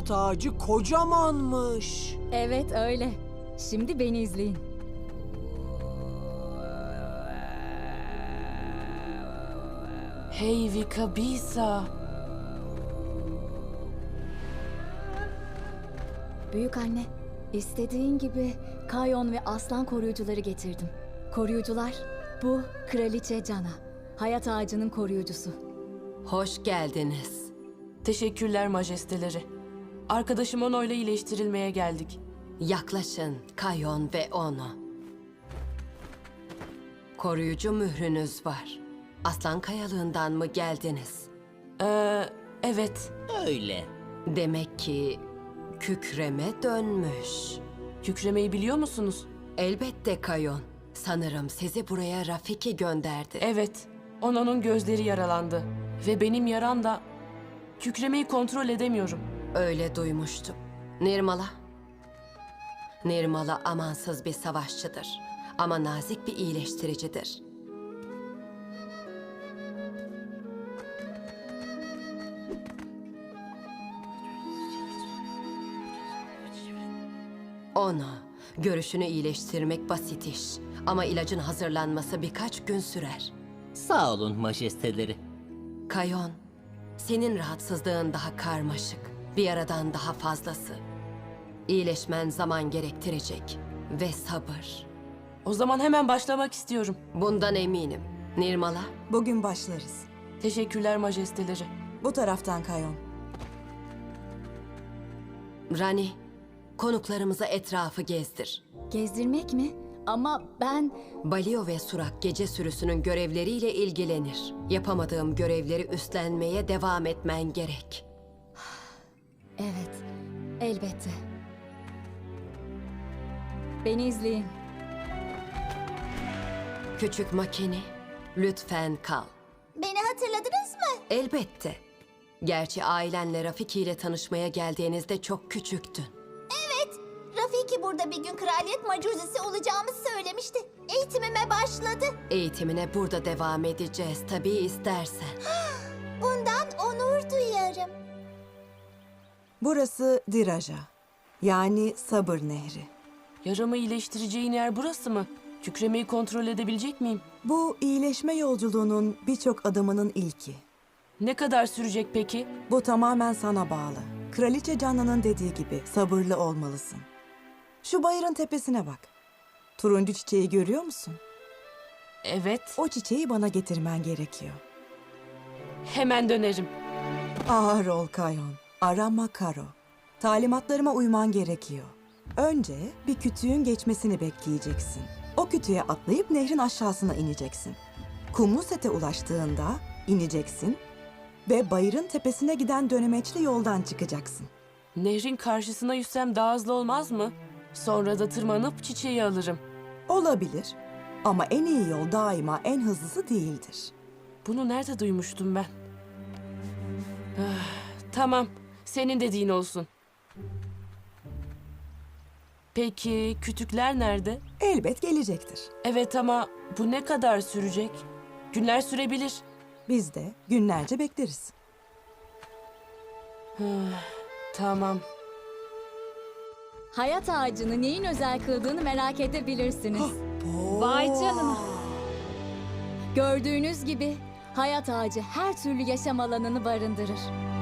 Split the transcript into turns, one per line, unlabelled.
hayat ağacı kocamanmış.
Evet öyle. Şimdi beni izleyin.
Hey Vikabisa.
Büyük anne, istediğin gibi Kayon ve aslan koruyucuları getirdim. Koruyucular, bu Kraliçe Cana. Hayat ağacının koruyucusu.
Hoş geldiniz.
Teşekkürler majesteleri. Arkadaşım Ono'yla iyileştirilmeye geldik.
Yaklaşın Kayon ve onu. Koruyucu mührünüz var. Aslan Kayalığından mı geldiniz?
Evet.
Öyle.
Demek ki kükreme dönmüş.
Kükremeyi biliyor musunuz?
Elbette Kayon. Sanırım sizi buraya Rafiki gönderdi.
Evet. Ono'nun gözleri yaralandı. Ve benim yaram da... Kükremeyi kontrol edemiyorum.
Öyle duymuştum. Nirmala? Nirmala amansız bir savaşçıdır. Ama nazik bir iyileştiricidir. Ona görüşünü iyileştirmek basit iş. Ama ilacın hazırlanması birkaç gün sürer.
Sağ olun majesteleri.
Kayon, senin rahatsızlığın daha karmaşık. Bir aradan daha fazlası. İyileşmen zaman gerektirecek. Ve sabır.
O zaman hemen başlamak istiyorum.
Bundan eminim. Nirmala,
Bugün başlarız.
Teşekkürler majesteleri.
Bu taraftan Kayon.
Rani, konuklarımıza etrafı gezdir.
Gezdirmek mi? Ama ben...
Balio ve Surak gece sürüsünün görevleriyle ilgilenir. Yapamadığım görevleri üstlenmeye devam etmen gerek.
Evet, elbette. Beni izleyin.
Küçük makine, lütfen kal.
Beni hatırladınız mı?
Elbette. Gerçi ailenle Rafiki ile tanışmaya geldiğinizde çok küçüktün.
Evet. Rafiki burada bir gün kraliyet macuzesi olacağımı söylemişti. Eğitimime başladı.
Eğitimine burada devam edeceğiz tabii istersen.
Bundan onur duyarım.
Burası Diraja. Yani Sabır Nehri.
Yaramı iyileştireceğin yer burası mı? Kükremeyi kontrol edebilecek miyim?
Bu iyileşme yolculuğunun birçok adımının ilki.
Ne kadar sürecek peki?
Bu tamamen sana bağlı. Kraliçe Canna'nın dediği gibi sabırlı olmalısın. Şu bayırın tepesine bak. Turuncu çiçeği görüyor musun?
Evet.
O çiçeği bana getirmen gerekiyor.
Hemen dönerim.
Ağır ol Kayon. Arama Karo. Talimatlarıma uyman gerekiyor. Önce bir kütüğün geçmesini bekleyeceksin. O kütüğe atlayıp nehrin aşağısına ineceksin. Kumlu sete ulaştığında ineceksin ve bayırın tepesine giden dönemeçli yoldan çıkacaksın.
Nehrin karşısına yüzsem daha hızlı olmaz mı? Sonra da tırmanıp çiçeği alırım.
Olabilir ama en iyi yol daima en hızlısı değildir.
Bunu nerede duymuştum ben? Ah, tamam, senin dediğin olsun. Peki kütükler nerede?
Elbet gelecektir.
Evet ama bu ne kadar sürecek? Günler sürebilir.
Biz de günlerce bekleriz.
Tamam.
Hayat ağacını neyin özel kıldığını merak edebilirsiniz. Vay canına. Gördüğünüz gibi hayat ağacı her türlü yaşam alanını barındırır.